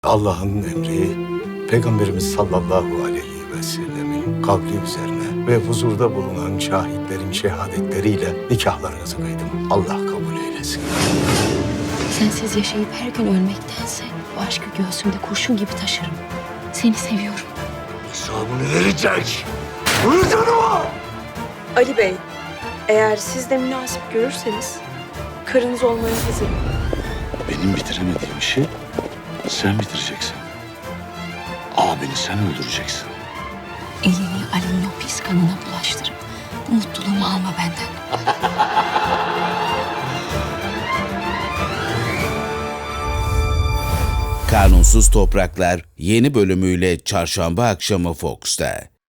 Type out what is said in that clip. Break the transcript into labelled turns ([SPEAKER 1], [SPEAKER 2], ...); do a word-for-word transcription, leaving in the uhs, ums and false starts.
[SPEAKER 1] Allah'ın emri, Peygamberimiz sallallahu aleyhi ve sellemin kavli üzerine ve huzurda bulunan şahitlerin şehadetleriyle nikahlarınızı kıydım. Allah kabul eylesin.
[SPEAKER 2] Sensiz yaşayıp her gün ölmektense bu aşkı göğsümde kurşun gibi taşırım. Seni seviyorum.
[SPEAKER 1] Hesabını verecek. Duydun mu?
[SPEAKER 3] Ali Bey, eğer siz de münasip görürseniz karınız olmaya hazırım.
[SPEAKER 4] Benim bitiremediğim işi sen bitireceksin. Abini sen öldüreceksin.
[SPEAKER 2] Elini Ali'nin o pis kanına bulaştırıp mutluluğumu alma benden.
[SPEAKER 5] Kanunsuz Topraklar yeni bölümüyle Çarşamba akşamı Fox'ta.